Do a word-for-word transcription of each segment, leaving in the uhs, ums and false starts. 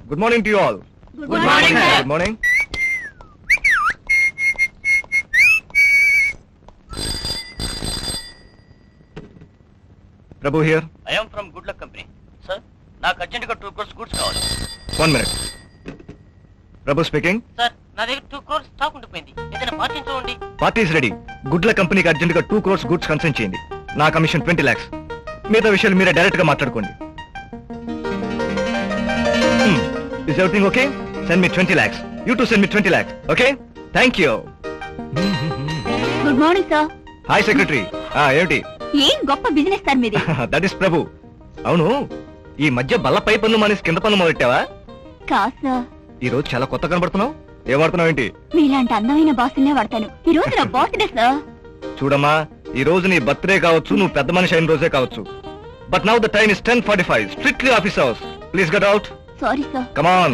Good morning to you all. Good morning sir. Good morning. Prabhu here. I am from good luck company. Sir నాకు urgent గా two crores goods కావాలి. One minute. Prabhu speaking. Sir నా దగ్గర two crores stock ఉండిపోయింది, ఏదైనా party చూడండి. Party is ready. Good luck కంపెనీకి urgent గా టూ క్రోర్స్ గుడ్స్ కన్సైన్ చేయండి. నా కమిషన్ ట్వంటీ లాక్స్. మిగతా విషయాలు మీరే డైరెక్ట్ గా మాట్లాడుకోండి. Is everything okay? Send me twenty lakhs. You to send me twenty lakhs. Okay, thank you. Good morning sir. Hi secretary. ఏమిటి? ఏం గొప్ప బిజినెస్ సార్ మీది. That is Prabhu. అవును, ఈ మధ్య బల్లపై పన్ను మానేసి కింద పన్ను మొదలెట్టావా? కాదు సార్. ఈ రోజు చాలా కొత్త కనబడుతున్నావు. ఏం వాడుతున్నావు ఏంటి? మీలాంటి అందమైన బాసులనే వాడతాను. ఈ రోజు నా బర్త్డే సార్. చూడమ్మా, ఈ రోజు నీ బర్త్డే కావచ్చు, నువ్వు పెద్ద మనిషి అయిన రోజే కావచ్చు. But now the time is ten forty five. Strictly office hours. Please get out. Sorry sir. Come on.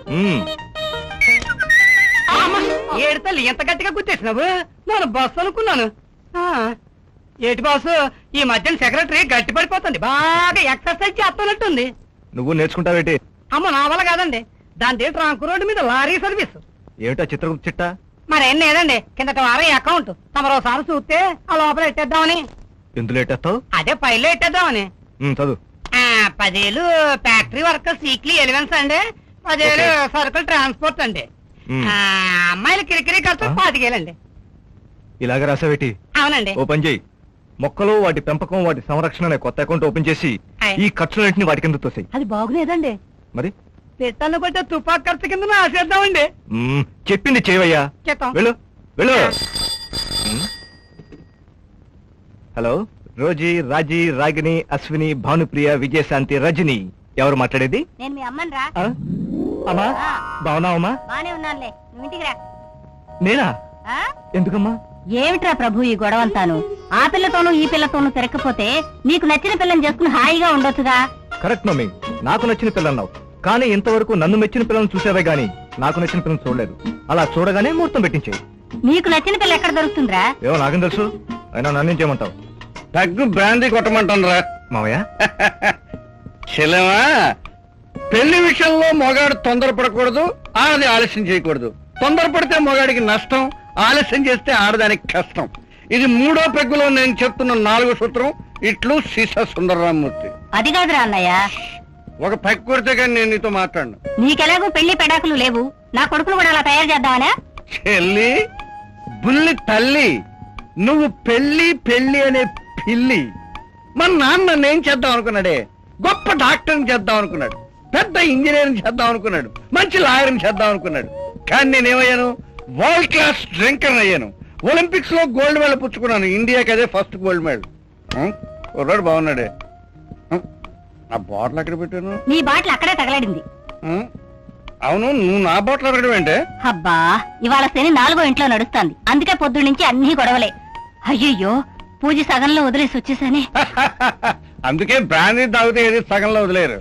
ఏడుతల్లి ఎంత గట్టిగా గుర్తేసినావు? నేను బస్సు అనుకున్నాను. ఏటి బాసు, ఈ మధ్యన సెక్రటరీ గట్టి పడిపోతుంది, బాగా ఎక్సర్సైజ్ చేస్తున్నట్టుంది. నువ్వు నేర్చుకుంటావేటి? అమ్మ నా వల్ల కాదండి, దాని ట్రాంక్ రోడ్డు మీద లారీ సర్వీస్. ఏమిటా చిత్రగుప్త చిట్టా? మరేం లేదండి, కిందట వారం అకౌంట్ తమరోసారి చూస్తే ఆ లోపల ఎట్టేద్దామని. ఎందులో ఎట్టేస్తావు? అదే పైలో ఎట్టేద్దామని. చదువు. ఆ పదేళ్ళు ఫ్యాక్టరీ వర్కర్స్ వీక్లీ ఎలివెన్స్ అండి, పదేళ్ళు సరుకులు ట్రాన్స్పోర్ట్ అండి, అమ్మాయిల కిరికిరి ఖర్చు పాతికేలండి. ఇలాగ రాసావేటి? అవునండి. ఓ పని చేయి, మొక్కలు వాటి పెంపకం వాటి సంరక్షణ అనే కొత్త అకౌంట్ ఓపెన్ చేసి ఈ ఖర్చులన్నింటినీ వాటి కింద తోసేయి. అది బాగులేదండి, మరి పెట్టాను కొట్టే తుపాకు ఖర్చు కింద ఆశేద్దామండి. మ్మ్, చెప్పింది చేయవయ్యా. చేద్దాం. వెళ్ళు వెళ్ళు. మ్మ్. Hello, Rosy, Raji, Ragini, Ashwini, Bhanupriya, Vijayashanti, Rajani. ఎవరు మాట్లాడేది? నేను మీ అమ్మని రా. ఆ? అమ్మా, బాగున్నావమ్మా? బానే ఉన్నానులే, నువ్వు ఇంటికి రా. నేనా? ఎందుకమ్మా? ఏమిట్రా ప్రభు ఈ గొడవంతాను? ఆ పిల్లతోనూ ఈ పిల్లతోనూ తిరగకపోతే నీకు నచ్చిన పిల్లని చేసుకుని హాయిగా ఉండొచ్చుగా. కరెక్ట్ మమ్మీ, నాకు నచ్చిన పిల్లన్నావు, కానీ ఇంతవరకు నన్ను మెచ్చిన పిల్లలను చూసావే గానీ నాకు నచ్చిన పిల్లలు చూడలేదు. అలా చూడగానే ముహూర్తం పెట్టించేయి. నీకు నచ్చిన పిల్ల ఎక్కడ దొరుకుతుందిరా? ఏమో నాకేం తెలుసు, అయినా నన్ను చేయమంటావు? తగ్గు బ్రాందీ కొట్టమంటారా మావయ్య? చెల్లెమా, పెళ్లి విషయంలో మొగాడు తొందరపడకూడదు, ఆడది ఆలస్యం చేయకూడదు. తొందరపడితే మొగాడికి నష్టం, ఆలస్యం చేస్తే ఆడదానికి కష్టం. ఇది మూడో పెగ్గులో నేను చెప్తున్న నాలుగో సూత్రం. ఇట్లు సీసా సుందరరామూర్తి. అది కాదురా అన్నయ్య, ఒక పెగ్ కొడితే కానీ నేను నీతో మాట్లాడను. నీకెలాగో పెళ్లి పెడాకులు లేవు, నా కొడుకును కూడా అలా తయారు చేద్దామనా? చెల్లి, బుల్లి తల్లి, నువ్వు పెళ్లి పెళ్లి అనే పిల్లి. మన నాన్న నేను చేద్దాం అనుకున్నాడే, గొప్ప డాక్టర్ని చేద్దాం అనుకున్నాడు, పెద్ద ఇంజనీరింగ్ చేద్దాం అనుకున్నాడు, మంచి లాయర్ని చేద్దాం అనుకున్నాడు. కానీ నేనేమయ్యాను? వరల్డ్ క్లాస్ డ్రింకర్ అయ్యాను. ఒలింపిక్స్ లో గోల్డ్ మెడల్ పుచ్చుకున్నాను, ఇండియాకి అదే ఫస్ట్ గోల్డ్ మెడల్. కుర్రాడు బాగున్నాడే. నా బాటిల్ ఎక్కడ పెట్టాను? నీ బాటిల్ అక్కడే తగలడింది. అవును, నువ్వు నా బాటిల్ అడగడం ఏంటే? అబ్బా, ఇవాళ శని నాలుగో ఇంట్లో నడుస్తాంది, అందుకే పొద్దు నుంచి అన్ని గొడవలే. అయ్యయ్యో, పూజ సగంలో వదిలేసి వచ్చేసానే. అందుకే బ్రాందీ తాగితే ఏది సగంలో వదిలేరు.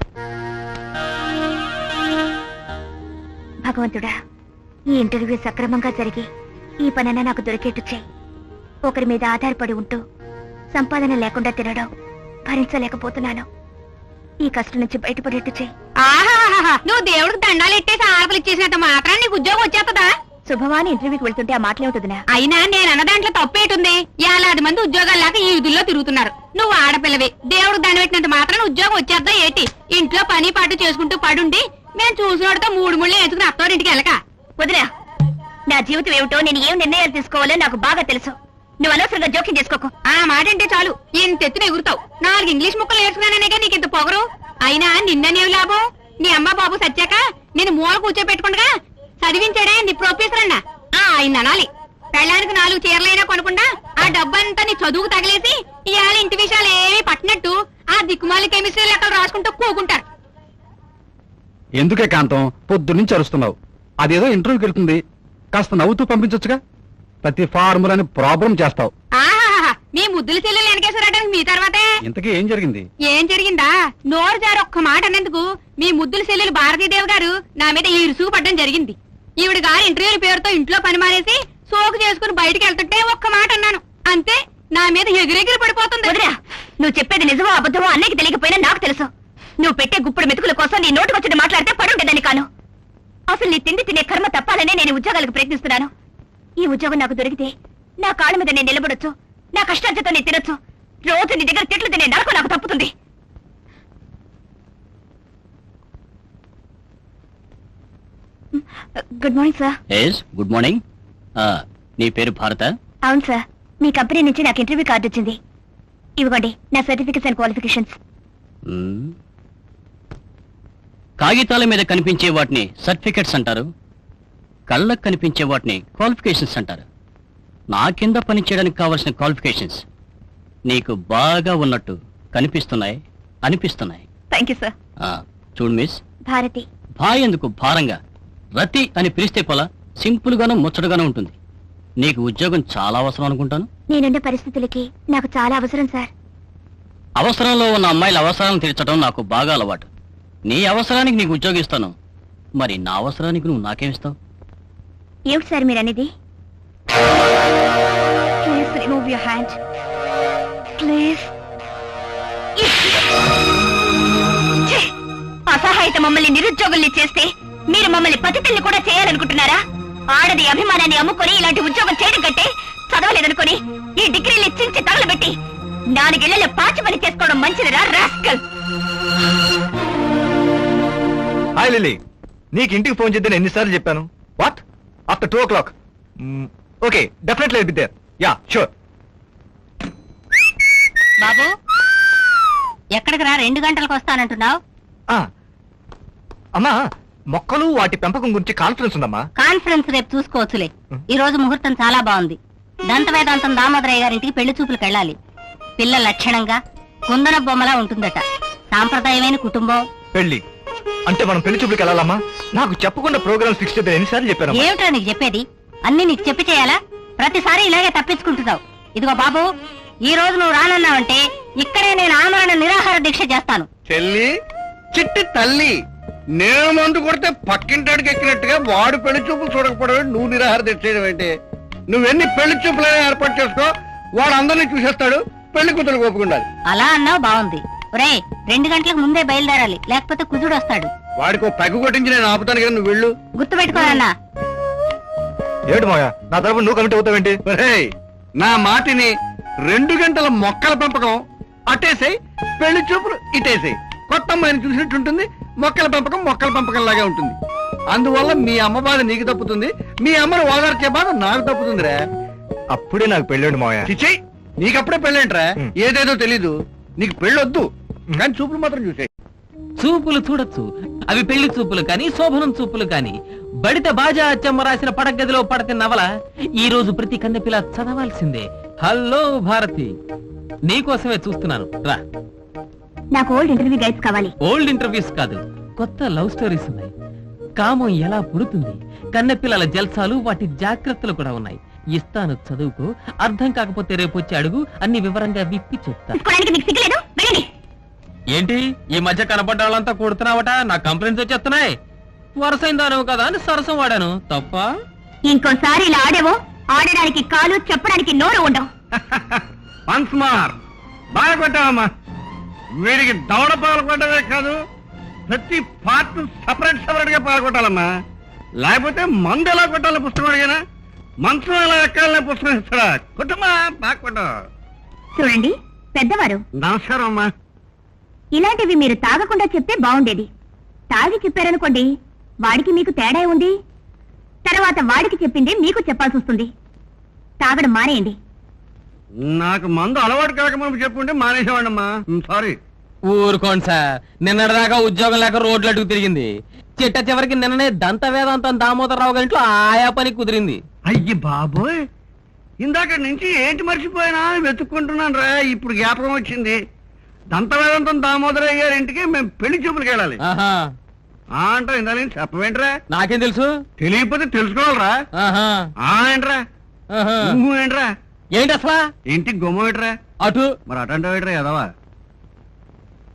భగవంతుడా, ఈ ఇంటర్వ్యూ సక్రమంగా జరిగి ఈ పనైనా నాకు దొరికేట్టు చేయి. ఒకరి మీద ఆధారపడి ఉంటూ సంపాదన లేకుండా తినడం భరించలేకపోతున్నాను. ఈ కష్టం నుంచి బయటపడేట్టు చేయి. నువ్వు దేవుడికి దండాలు ఎట్టేసి ఆడపిల్ల ఇచ్చేసినంత మాత్రం నీకు ఉద్యోగం వచ్చేస్తుందా? శుభవాని ఇంటర్వ్యూకి వెళ్తుంటే ఆ మాటలేవుతుందినా? అయినా నేను అన్న దాంట్లో తప్పేటుంది. ఏలాది మంది ఉద్యోగాలు లేక ఈ విధుల్లో తిరుగుతున్నారు. నువ్వు ఆడపిల్లవి, దేవుడికి దండ పెట్టినంత మాత్రం ఉద్యోగం వచ్చేద్దా ఏటి? ఇంట్లో పని పాటు చేసుకుంటూ పడుండి నేను చూసినోడితో మూడు ముళ్ళు వేసుకుని అత్తవారింటికి వెళ్ళక. వదినా, నా జీవితం ఏమిటో నేను ఏం నిర్ణయాలు తీసుకోవాలో నాకు బాగా తెలుసు. నువ్వు అనవసరంగా జోక్యం చేసుకోకు. ఆ మాట అంటే చాలు ఇంత ఎత్తున ఎగురుతావు. నాలుగు ఇంగ్లీష్ ముక్కలు నేర్చుకున్నాననేగా నీకు ఇంత పొగరు. అయినా నిన్ననేవి లాభం? నీ అమ్మ బాబు సచ్చాక నేను మూల కూర్చోపెట్టుకుండగా చదివించాడే నీ ప్రొఫెసర్ అన్న. ఆ ఆయన అనాలి. పెళ్ళానికి నాలుగు చీరలైనా కొనకుండా ఆ డబ్బంతా నీ చదువుకు తగిలేసి ఇవాళ ఇంటి విషయాలు ఏమీ పట్టినట్టు ఆ దిక్కుమాలి కెమిస్ట్రీ లెక్కలు రాసుకుంటూ కూకుంటారు. ఎందుకే కాంతం పొద్దున్నుంచి అరుస్తున్నావు? అదేదో ఇంటర్వ్యూకి వెళ్తుంది, కాస్త నవ్వుతూ పంపించొచ్చుగా. ప్రతి ఫార్ములని ప్రాబ్లం చేస్తావు. ఆహా, మీ ముద్దుల చెల్లెలు వెనకేశ్వరటానికి మీ తర్వాతే. ఇంతకీ ఏం జరిగింది? ఏం జరిగిందా? నోరు జారి ఒక్క మాట అన్నందుకు మీ ముద్దుల చెల్లెలు భారతీదేవి గారు నా మీద ఈరుసుకు పడ్డం జరిగింది. ఈవిడ గారు ఇంటర్వ్యూల పేరుతో ఇంట్లో పని మానేసి సోకు చేసుకుని బయటికి వెళ్తుంటే ఒక్క మాట అన్నాను అంతే, నా మీద ఎగిరెగిరి పడిపోతుంది. వదినా, నువ్వు చెప్పేది నిజమో అబద్ధమో అన్నయ్యకి తెలియకపోయినా నాకు తెలుసు. నువ్వు పెట్టే గుప్పుడు మెతుకులకు కోసం నీ నోటుకొచ్చింది మాట్లాడితే పడుండేదని కాను. అసలు నీ తిండి తినే కర్మ తప్పాలనే నేను ఉద్యోగాలకు ప్రయత్నిస్తున్నాను. ఈ ఉద్యోగం నాకు దొరికితే నా కాళ్ళ మీద నేను నిలబడొచ్చు, నా కష్టార్జితో నేను తినొచ్చు. రోజు నీ దగ్గర తిట్లు తినే నరకు నాకు తప్పుతుంది. Good morning sir. Yes good morning. నీ పేరు భారత? అవును సార్, మీ కంపెనీ నుంచి నాకు ఇంటర్వ్యూ కార్డు వచ్చింది. ఇవ్వండి నా సర్టిఫికెట్స్ అండ్ క్వాలిఫికేషన్స్. కాగితాల మీద కనిపించే వాటిని సర్టిఫికెట్స్ అంటారు, కళ్ళకు కనిపించే వాటిని క్వాలిఫికేషన్స్ అంటారు. నా కింద పనిచేయడానికి కావాల్సిన క్వాలిఫికేషన్స్ నీకు బాగా ఉన్నట్టు కనిపిస్తున్నాయి, అనిపిస్తున్నాయి. Thank you sir. చూడు మిస్, భారతి. భాయ్ ఎందుకు భారంగా, రతి అని పిలిస్తే పోలా సింపుల్ గాను ముచ్చటగాను ఉంటుంది. నీకు ఉద్యోగం చాలా అవసరం అనుకుంటాను. నేనున్న పరిస్థితులకి నాకు చాలా అవసరం సార్. అవసరంలో ఉన్న అమ్మాయిల అవసరాలను తీర్చడం నాకు బాగా అలవాటు. నీ అవసరానికి నీకు ఉద్యోగం ఇస్తాను, మరి నా అవసరానికి నువ్వు నాకేమిస్తావు? ఏమిటి సార్ మీరు అనేది? Please remove your hand please. అసహాయత మమ్మల్ని నిరుద్యోగుల్ని చేస్తే మీరు మమ్మల్ని పతితల్ని కూడా చేయాలనుకుంటున్నారా? ఆడది అభిమానాన్ని అమ్ముకొని ఇలాంటి ఉద్యోగం చేయడం కంటే చదవలేదనుకొని ఈ డిగ్రీలు చించి తగలబెట్టి నాలుగేళ్లలో పాచి పని చేసుకోవడం మంచిదిరా రాస్కల్. హాయ్ లిల్లీ, నీకు ఇంటికి ఫోన్ చేద్దని ఎన్నిసార్లు చెప్పాను? What after two o'clock? Okay, definitely be there. Yeah sure. బాబు ఎక్కడికి రా, రెండు గంటలకు వస్తానంటున్నావు? అమ్మా, మొక్కలు వాటి పెంపకం గురించి కాన్ఫరెన్స్ ఉందమ్మా. కాన్ఫరెన్స్ రేపు చూసుకోవచ్చులే. ఈ రోజు ముహూర్తం చాలా బాగుంది. దంత వేదాంతం దామోదరయ్య గారింటికి పెళ్లి చూపులకు వెళ్ళాలి. పిల్ల లక్షణంగా కుందన బొమ్మలా ఉంటుందట. సాంప్రదాయమైన కుటుంబం. పెళ్లి అంటే మనం పెళ్లి చూపులకు వెళ్ళాలమ్మా? నాకు చెప్పకుండా ప్రోగ్రామ్ ఫిక్స్ చేద్దాం ఎన్నిసార్లు చెప్పాను? ఏమిటో నీకు చెప్పేది? అన్ని నీకు చెప్పి చేయాలా? ప్రతిసారి ఇలాగే తప్పించుకుంటున్నావు. ఇదిగో బాబు, ఈ రోజు నువ్వు రానన్నావంటే ఇక్కడే నేను ఆమరణ నిరాహార దీక్ష చేస్తాను. చెల్లి, చిట్టి తల్లి, నేను మందు కొడితే పక్కింటాడికి ఎక్కినట్టుగా వాడు పెళ్లి చూపులు చూడకపోవడం నువ్వు నిరాహార తెచ్చేయడం ఏంటి? నువ్వెన్ని పెళ్లి చూపులైనా ఏర్పాటు చేసుకో, వాడు అందరినీ చూసేస్తాడు, పెళ్లి కూతురు ఒప్పుకుండాలి. అలా అన్నావు బాగుంది. ఒరే, రెండు గంటలకు ముందే బయలుదేరాలి, లేకపోతే కుజుడు వస్తాడు. వాడికి ఓ పెగ్గు కొట్టించి నేను ఆపుతాను కదా, నువ్వు వెళ్ళు. గుర్తుపెట్టుకోనన్నా. ఏమిటి మాయా, నా తరపు నువ్వు కమిటీ అవుతావేంటి? ఒరేయ్, నా మాటిని, రెండు గంటల మొక్కల పెంపకం అటేసాయి, పెళ్లి చూపులు ఇటేసాయి. కొత్త అమ్మాయిని చూసినట్టుంటుంది, మొక్కల పెంపకం మొక్కల పెంపకం లాగా ఉంటుంది. అందువల్ల మీ అమ్మ బాధ నీకు తప్పుతుంది, మీ అమ్మను ఓదార్చే బాధ నాకు తప్పుతుందిరా. అప్పుడే నాకు పెళ్ళండి మాయా. చిచ్చయ్, నీకప్పుడే పెళ్ళేంట్రా? ఏదేదో తెలీదు. నీకు పెళ్ళొద్దు, కానీ చూపులు మాత్రం చూసే. చూపులు చూడొచ్చు, అవి పెళ్లి చూపులు కాని శోభనం చూపులు కాని. బడిత బాజా అచ్చమ్మ రాసిన పడగదిలో పడతి నవల ఈ రోజు ప్రతి కన్నెపిల్ల చదవాల్సిందే. హలో భారతి, నీకోసమే చూస్తున్నాను, రా. నాకు ఓల్డ్ ఇంటర్వ్యూ గైడ్స్ కావాలి. ఓల్డ్ ఇంటర్వ్యూస్ కాదు, కొత్త లవ్ స్టోరీస్ ఉన్నాయి. కామం ఎలా పుడుతుంది, కన్నెపిల్లల జల్సాలు, వాటి జాగ్రత్తలు కూడా ఉన్నాయి. ఇస్తాను, చదువుకో. అర్థం కాకపోతే రేపు వచ్చి అడుగు, అన్ని వివరంగా విప్పి చెప్తా. ఏంటి ఈ మధ్య కనపడ్డ వాళ్ళంతా కొడుతున్నావట? నా కంప్లైంట్స్ వచ్చేస్తున్నాయి. వరసైందాను కదా అని సరసం వాడాను, తప్ప? ఇంకోసారి ఇలా ఆడేవో, ఆడడానికి కాలు, చెప్పడానికి నోరు ఉండవు. వన్స్ మోర్, బాగా కొట్టావమ్మా. వీడికి దవడ పాలు కొట్టవే కాదు, ప్రతి పార్ట్ సపరేట్ సపరేట్ గా పాలు కొట్టాలమ్మా. లేకపోతే మందు ఎలా కొట్టాలి పుస్తకం అడిగానా, మంచం ఎలా ఎక్కాలనే పుస్తకం ఇస్తాడా? కొట్టమ్మా, బాగా కొట్ట. చూడండి పెద్దవారు, నమస్కారం అమ్మా. ఇలాంటివి మీరు తాగకుండా చెప్తే బాగుండేది. తాగి చెప్పారనుకోండి, వాడికి మీకు తేడా ఉంది. తర్వాత వాడికి చెప్పింది మీకు చెప్పాల్సి వస్తుంది. తాగడం మానేయండి. నాకు మందు అలవాటు కాకముందు చెప్పుంటే మానేసేవాడమ్మా. సారీ. ఊరుకోండి సార్, నిన్నటిదాకా ఉద్యోగం లేక రోడ్లు అడుగు తిరిగింది. చిట్ట చివరికి నిన్ననే దంత వేదాంతం దామోదరరావు గారింట్లో ఆయా పని కుదిరింది. అయ్యి బాబోయ్, ఇందాక నుంచి ఏంటి మర్చిపోయినా వెతుక్కుంటున్నాను రా. ఇప్పుడు జ్ఞాపకం వచ్చింది. దంతవేదంతం దామోదరయ్య గారి ఇంటికి మేము పెళ్లి చూపులకు వెళ్ళాలి. ఆహా, ఆ అంటారా? ఇందా నుంచి చెప్పవేంట్రా? నాకేం తెలుసు? తెలియకపోతే తెలుసుకోవాలరా. ఆహా, ఆ ఏంట్రా? ఆహా. నువ్వు ఏంట్రా? ఏంటి అసలా? ఇంటికి గుమ్మ ఏంట్రా? అటు మరి అటంటావు ఏంట్రా ఎదవా?